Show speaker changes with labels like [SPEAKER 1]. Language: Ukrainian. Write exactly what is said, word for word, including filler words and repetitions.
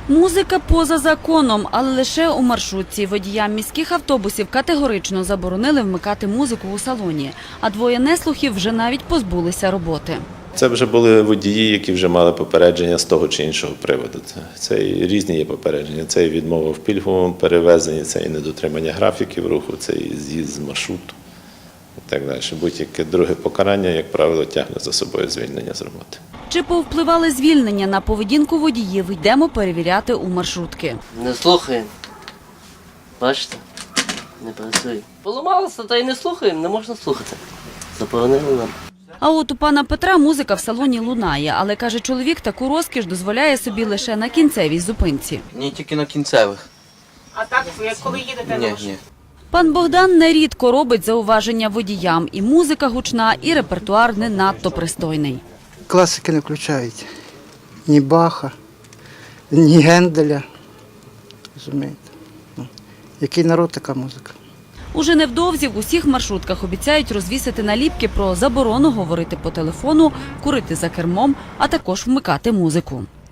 [SPEAKER 1] Музика поза законом, але лише у маршрутці. Водіям міських автобусів категорично заборонили вмикати музику у салоні, а двоє неслухів вже навіть позбулися роботи.
[SPEAKER 2] Це вже були водії, які вже мали попередження з того чи іншого приводу. Це, це і різні є попередження. Це і відмова в пільговому перевезенні, це і недотримання графіків руху, це і з'їзд з маршруту і так далі. Будь-яке друге покарання, як правило, тягне за собою звільнення з роботи.
[SPEAKER 1] Чи повпливали звільнення на поведінку водіїв, йдемо перевіряти у маршрутки.
[SPEAKER 3] Не слухаємо. Бачите? Не працює. Поламалося, та й не слухаємо, не можна слухати. Заборонили нам.
[SPEAKER 1] А от у пана Петра музика в салоні лунає, але, каже чоловік, таку розкіш дозволяє собі лише на кінцевій зупинці.
[SPEAKER 4] Ні, тільки на кінцевих.
[SPEAKER 5] А так, як коли їдете
[SPEAKER 4] Ні,
[SPEAKER 5] на
[SPEAKER 4] ні.
[SPEAKER 1] Пан Богдан нерідко робить зауваження водіям. І музика гучна, і репертуар не надто пристойний.
[SPEAKER 6] Класики не включають. Ні Баха, ні Генделя. Розумієте? Ну, який народ, така музика.
[SPEAKER 1] Уже невдовзі в усіх маршрутках обіцяють розвісити наліпки про заборону говорити по телефону, курити за кермом, а також вмикати музику.